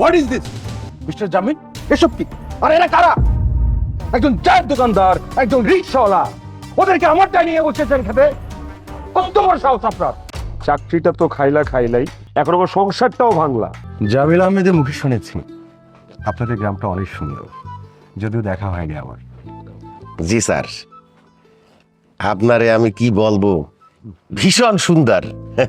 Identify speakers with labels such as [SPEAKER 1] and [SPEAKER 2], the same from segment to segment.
[SPEAKER 1] What is this mister Jamil? এসব কি? আর এরা কারা? একজন চায়ের দোকানদার, একজন রিক্সাওয়ালা, ওদেরকে আমারটা নিয়ে বসেছেন খেতে? কত বড় সাহস আপনার!
[SPEAKER 2] চাকরিটা তো খাইলাই, এখন আমার সংসারটাও ভাঙলা।
[SPEAKER 3] জামিল আহমেদের মুখে শুনেছি আপনাদের গ্রামটা অনেক সুন্দর, যদিও দেখা হয়নি আমার।
[SPEAKER 4] জি স্যার, আপনারে আমি কি বলবো, ভীষণ সুন্দর।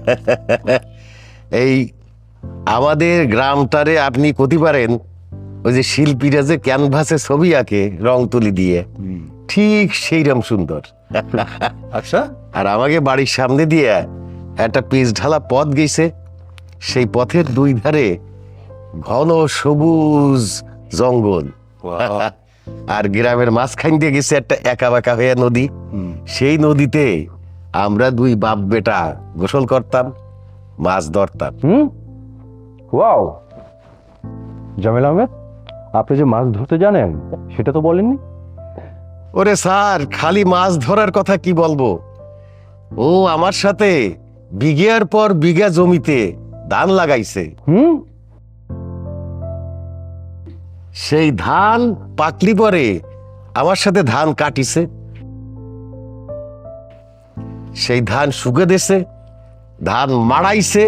[SPEAKER 4] এই আমাদের গ্রামটারে আপনি কতি পারেন ওই যে শিল্পীরা যে ক্যানভাসে ছবি আঁকে রং তুলি দিয়ে, ঠিক সেইরকম সুন্দর।
[SPEAKER 3] আচ্ছা,
[SPEAKER 4] আর আমাকে বাড়ির সামনে দিয়ে একটা পিচ ঢালা পথ গেছে, সেই পথের দুই ধারে ঘন সবুজ জঙ্গল, আর গ্রামের মাঝখান দিয়ে গেছে একটা একা বাঁকা হয়ে নদী। সেই নদীতে আমরা দুই বাপ বেটা গোসল করতাম, মাছ ধরতাম।
[SPEAKER 3] ওয়াও, জামিল আহমেদ, আপনি যে মাছ ধরতে জানেন সেটা তো বলেননি।
[SPEAKER 4] ওরে স্যার, খালি মাছ ধরার কথা কি বলবো, ও আমার সাথে বিঘার পর বিঘা জমিতে ধান লাগাইছে। সেই ধান পাকলি পরে আমার সাথে ধান কাটিছে, সেই ধান শুকে দিছে, ধান মাড়াইছে।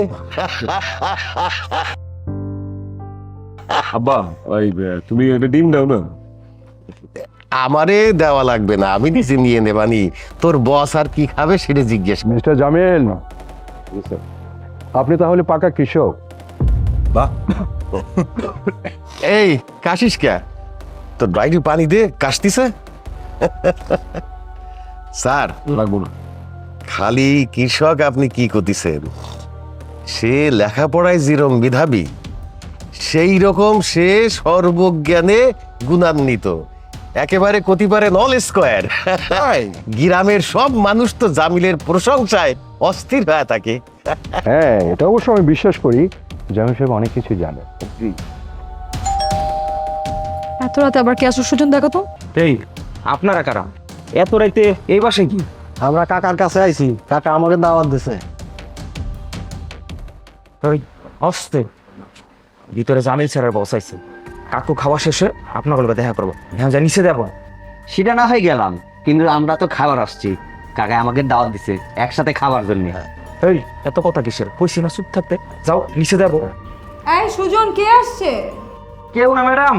[SPEAKER 2] আব্বা, ওই তুমি একটা ডিম দাও না।
[SPEAKER 4] আমারে দেওয়া লাগবে না, আমি নিজে নিয়ে নেবানি। তোর বস আর কি খাবে সেটা জিজ্ঞেস কর।
[SPEAKER 3] মিস্টার জামিল, আপনি তাহলে পাকা কৃষক। বাহ,
[SPEAKER 4] এই কাশিস কে? তোর ডাইরি পানি দে, কাশতিছে। স্যার,
[SPEAKER 2] লাগবো না।
[SPEAKER 4] খালি কৃষক আপনি কি করতেছেন? সে লেখাপড়ায় যেরকম মেধাবী, সেই রকম সে সর্বজ্ঞানে গুণান্বিত, একেবারে কতিপারে নল স্কোয়ার। গ্রামের সব মানুষ তো জামিলের প্রশংসায় অস্থির হয়ে থাকে।
[SPEAKER 3] হ্যাঁ, এটা অবশ্য আমি বিশ্বাস করি। জামিল সাহেব অনেক কিছু জানে।
[SPEAKER 5] এত রাতে আবার কে আসো সুজন, দেখো তো।
[SPEAKER 1] এই আপনারা কারা? এত রাইতে এই বাসায় কি?
[SPEAKER 6] আমরা কাকার কাছে আইছি, কাকা আমাকে দাওয়াত দিছে।
[SPEAKER 1] ওই অস্তে ভিতরে জামিল স্যারের বস আইছে। কাকু খাওয়া শেষে আপনার গল্পে দেখা করবো। হ্যাঁ, যা নিচে দেবো।
[SPEAKER 6] সেটা না হয়ে গেলাম, কিন্তু আমরা তো খাবার আসছি, কাকা আমাকে দাওয়াত দিছে একসাথে খাবার জন্য।
[SPEAKER 1] এই এত কথা কিসের? কইছি না চুপ থাকতে। যাও নিচে দেবো।
[SPEAKER 5] এই সুজন, কে আসছে?
[SPEAKER 1] কেউ না ম্যাডাম।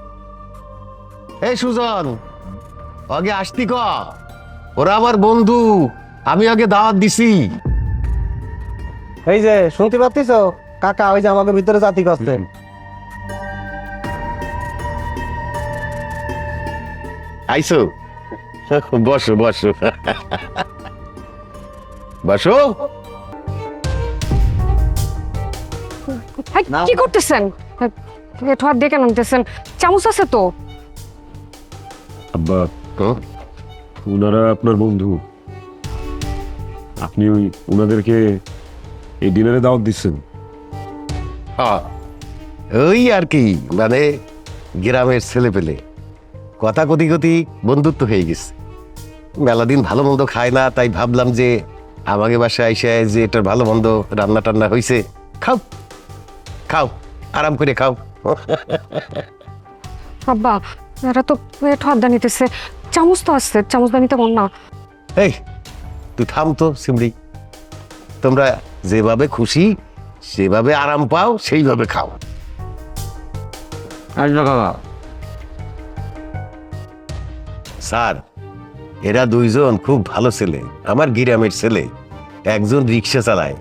[SPEAKER 4] এই সুজন, আগে আসতি ক, ওরা আমার বন্ধু, আমি আগে দাওয়াত দিছি।
[SPEAKER 6] এই যে শুনতে পাচ্ছিস, কাকা ওই যে আমাকে ভিতরে জাতি করছে।
[SPEAKER 4] আইসো, বসো বসো বসো।
[SPEAKER 5] কি করতেছেন? এটো হাত দিয়ে কেন নিতেছেন? চামচ আছে তো।
[SPEAKER 2] আব্বা,
[SPEAKER 4] হুম?
[SPEAKER 2] উনারা আপনার বন্ধু, আপনি ওই উনাদেরকে এই ডিনারে দাওয়াত দিচ্ছেন?
[SPEAKER 4] হ্যাঁ, ওই আর কি, মানে গ্রামের ছেলে পেলে কথা কতি কতি বন্ধুত্ব হয়ে গেছে। মেলা দিন ভালো মন্দ খায় না, তাই ভাবলাম যে আমাকে বাসায় আইসা যে এটার ভালো মন্দ রান্না টান্না হয়েছে, খাও খাও, আরাম করে খাও।
[SPEAKER 5] আব্বা, এরা তো এটো হাত দিয়ে নিতেছে। চামচ তো আসছে, চামচ দিয়ে নিতে বল না।
[SPEAKER 4] এই তুই থাম তো সিমড়ি, তোমরা যেভাবে খুশি সেভাবে আরাম পাও, সেইভাবে খাও। স্যার, এরা দুইজন খুব ভালো ছেলে, আমার গ্রামের ছেলে। একজন রিক্সা চালায়,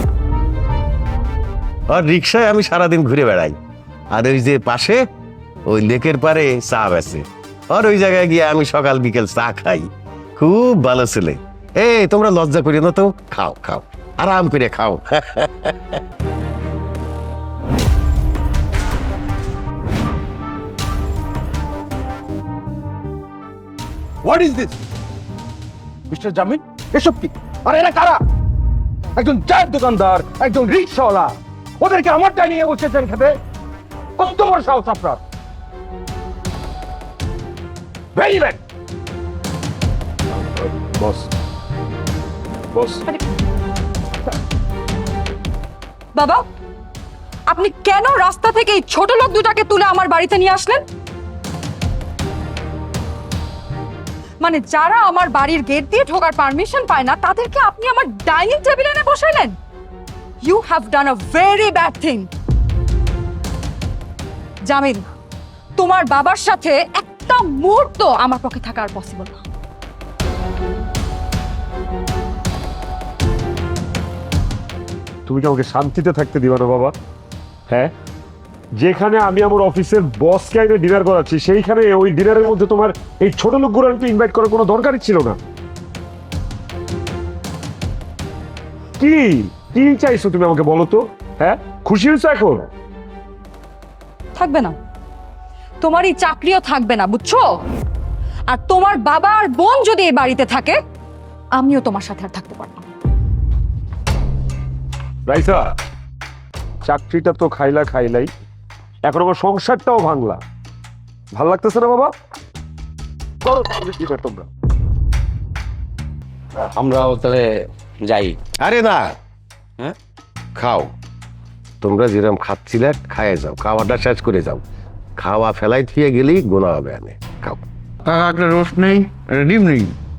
[SPEAKER 4] আর রিক্সায় আমি সারাদিন ঘুরে বেড়াই। আর ওই যে পাশে ওই লেকের পারে চা বেচে, আর ওই জায়গায় গিয়ে আমি সকাল বিকেল চা খাই। খুব ভালো ছেলে। এই তোমরা লজ্জা করিও না তো, খাও খাও, আরাম করে খাও।
[SPEAKER 1] What is this mister Jamil? এসব কি? আর এরা কারা? একজন চায়ের দোকানদার, একজন রিক্সাওয়ালা, ওদেরকে আমারটা নিয়ে বসেছেন খেতে? কত বড় সাহস আপনার! Very bad.
[SPEAKER 2] বস, বস,
[SPEAKER 5] বাবা, আপনি কেন রাস্তা থেকে এই ছোট লোক দুটাকে তুলে আমার বাড়িতে নিয়ে আসলেন? মানে যারা আমার বাড়ির গেট দিয়ে ঢোকার পারমিশন পায় না তাদেরকে আপনি আমার ডাইনিং টেবিলে এনে বসাইলেন। You have done a very bad thing. Jamil, তোমার বাবার সাথে একটা মুহূর্ত আমার পক্ষে থাকা আর পসিবল না।
[SPEAKER 2] তুমি কি আমাকে শান্তিতে থাকতে দিবা না বাবা? হ্যাঁ, যেখানে আমি আমার অফিসের বসকে আইনে ডিনার করাচ্ছি, সেইখানে ওই ডিনারের মধ্যে তোমার এই ছোট লোকগুলোকে ইনভাইট করার কোনো দরকারই ছিল না। কি কি চাইছো তুমি আমাকে বলো তো? হ্যাঁ, খুশি হয়েছো এখন?
[SPEAKER 5] থাকবে না, তোমার এই চাকরিও থাকবে না, বুঝছো? আর তোমার বাবা আর বোন যদি এই বাড়িতে থাকে, আমিও তোমার সাথে আর থাকতে পারবো না।
[SPEAKER 2] রাইসা, চাকরিটা তো খাইলাই, এখন আমার সংসারটাও ভাঙলা। ভাল লাগতেছে না বাবা? করো তাহলে dinner তোমরা।
[SPEAKER 6] আমরাও তাহলে যাই।
[SPEAKER 4] আরে না,
[SPEAKER 6] হ্যাঁ?
[SPEAKER 4] খাও। তোমরা যেরকম খাচ্ছিলে খাইয়ে যাও, খাওয়াটা শেষ করে যাও। খাওয়া ফেলাই থুয়ে গেলেই গোনা হবে আনে। খাও।
[SPEAKER 3] কাকা একটা রোস্ট নেই, একটা ডিম নেই।